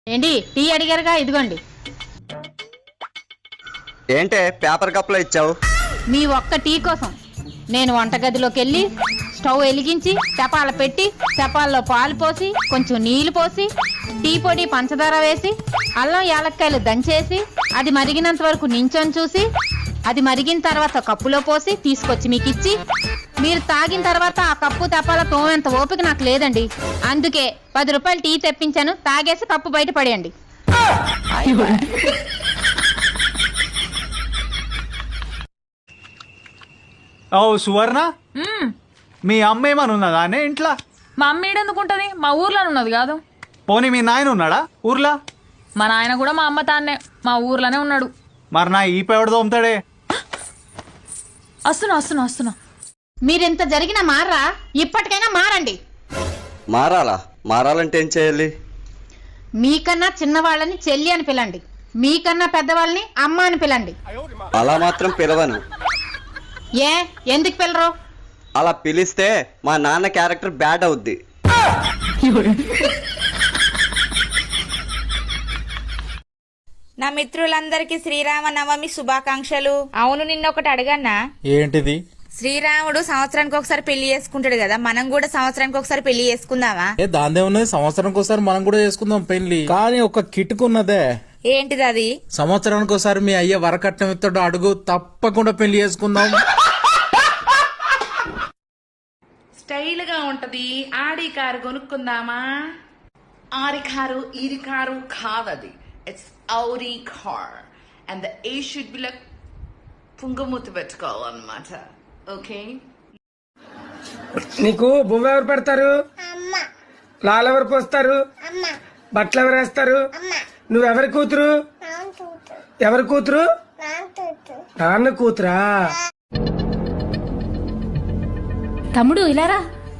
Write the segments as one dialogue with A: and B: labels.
A: ఏంటి టీ అడిగారుగా, ఇదిగోండి.
B: ఏంటే పేపర్ కప్లో ఇచ్చావు?
A: మీ ఒక్క టీ కోసం నేను వంటగదిలోకి వెళ్ళి స్టవ్ వెలిగించి తెపాల పెట్టి తెపాల్లో పాలు పోసి కొంచెం నీళ్లు పోసి టీ పొడి పంచదార వేసి అల్లం యాలక్కాయలు దంచేసి అది మరిగినంత వరకు నించొని చూసి అది మరిగిన తర్వాత కప్పులో పోసి తీసుకొచ్చి మీకు ఇచ్చి మీరు తాగిన తర్వాత ఆ కప్పు తెపాల తోమేంత ఓపిక నాకు లేదండి. అందుకే 10 రూపాయలు టీ తెప్పించాను, తాగేసి కప్పు బయట పడేయండి.
C: ఓ సువర్ణ, మీ అమ్మ ఏమని ఉన్నదా అనే ఇంట్లో?
D: మా అమ్మ ఏడెందుకుంటది? మా ఊర్లోనే ఉన్నది కాదు.
C: పోనీ మీ నాయన ఉన్నాడా ఊర్లా?
D: మా నాయన కూడా మా అమ్మ తాన్నే మా ఊర్లోనే ఉన్నాడు.
C: మరి నా ఈ పేవడ తోముతాడే.
D: వస్తున్నా.
A: మీరింత జరిగిన మారా, ఇప్పటికైనా మారండి.
B: మారాలంటే ఏం చేయాలి?
A: మీకన్నా చిన్నవాళ్ళని చెల్లి అని పిలండి, మీకన్నా పెద్దవాళ్ళని అమ్మ అని పిలండి.
B: అలా మాత్రం పిలవను.
A: ఏ ఎందుకు పిలరు?
B: అలా పిలిస్తే మా నాన్న క్యారెక్టర్ బ్యాడ్ అవుద్ది.
E: నా మిత్రులందరికీ శ్రీరామనవమి శుభాకాంక్షలు. అవును, నిన్న ఒకటి అడగన్నా.
F: ఏంటిది?
E: శ్రీరాముడు సంవత్సరానికి ఒకసారి పెళ్లి చేసుకుంటాడు కదా, మనం కూడా సంవత్సరానికి ఒకసారి పెళ్లి చేసుకుందామా?
F: దాందే ఉన్నది, సంవత్సరానికి ఒకసారి మనం కూడా చేసుకుందాం పెళ్లి. కానీ ఒక కిటుకున్నదే.
E: ఏంటిది అది?
F: సంవత్సరానికి ఒకసారి మీ అయ్య వరకట్నం ఇస్తాడు, అడుగు, తప్పకుండా పెళ్లి చేసుకుందాం.
G: స్టైల్ గా ఉంటది. ఆడి కారు కొనుక్కుందామా? ఆడి కారు ఈడి కారు కాదది. It's Audi car and the A should be like పుంగమూతి పెట్టుకోవాలన్నమాట. ఓకే,
H: నీకు బొమ్మ ఎవరు పెడతారు? లాల్ ఎవరు పోస్తారు? బట్టలు ఎవరు వేస్తారు? నువ్వెవరి కూతురు? ఎవరి కూతురు? నాన్న కూతురా?
A: తమ్ముడు ఇలారా.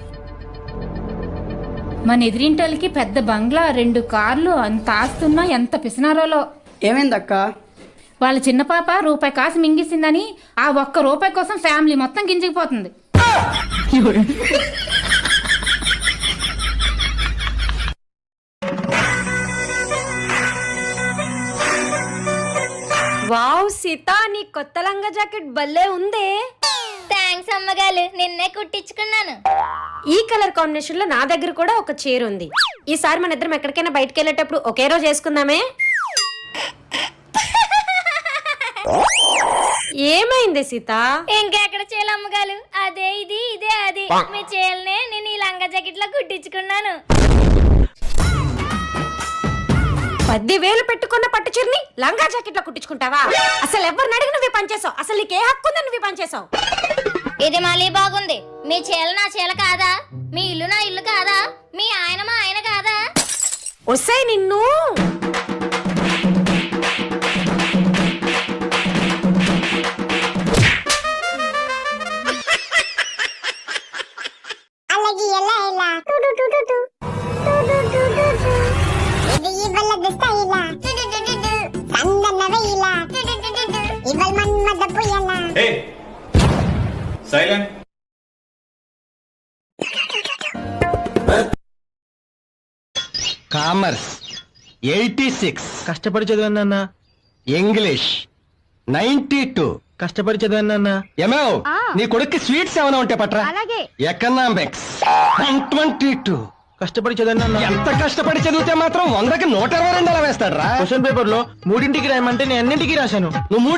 A: మన ఎదిరింటోళ్ళకి పెద్ద బంగ్లా, 2 కార్లు, అంత ఆస్తున్నా ఎంత పిసినారోలో.
I: ఏమైందక్క?
A: వాళ్ళ చిన్న పాప రూపాయి కాసు మింగిసిందని ఆ ఒక్క రూపాయి కోసం ఫ్యామిలీ మొత్తం గింజకిపోతుంది.
J: వావ్ సీత, నీ కొత్త లంగా జాకెట్ భలే ఉందే.
K: థ్యాంక్స్ అమ్మగారు, నిన్నే కుట్టించుకున్నాను.
J: ఈ కలర్ కాంబినేషన్ లో నా దగ్గర కూడా ఒక చీర ఉంది. ఈసారి మన ఇద్దరం ఎక్కడికైనా బయటకు వెళ్ళేటప్పుడు ఒకే రోజు వేసుకుందామే. ఏమైంది సీత?
K: ఇంకెక్కడ చీల అమ్మగారు, అదే ఇది ఇదే అది. మీ చీరనే నేను ఈ లంగా జాకెట్ లో కుట్టించుకున్నాను.
J: 10,000 పెట్టుకున్న పట్టు చీరని లంగా జాకెట్ లో కుట్టించుకుంటావా? అసలు ఎవరిని అడిగి నువ్వు పనిచేసావు? అసలు నీకే హక్కు ఉందని నువ్వు పనిచేసావు?
K: ఇది మళ్ళీ బాగుంది. మీ చీల నా చీల కాదా? మీ ఇల్లు నా ఇల్లు కాదా? మీ ఆయన మా ఆయన కాదా?
J: వస్తాయి నిన్ను.
L: కామర్స్ 86
F: కష్టపడి చదివాను.
L: ఇంగ్లీష్ 92
F: కష్టపడి చదివాను.
L: ఏమో నీ కొడుక్కి స్వీట్స్ ఏమైనా ఉంటే పట్రా. ఎకనామిక్స్ 122
F: కష్టపడి చదివాను.
L: ఎంత కష్టపడి చదివితే మాత్రం 100కి 122 అలా వేస్తాడు రా.
F: క్వశ్చన్ పేపర్ లో 3ంటికి రాయమంటే నేను అన్నింటికి రాశాను.
L: నువ్వు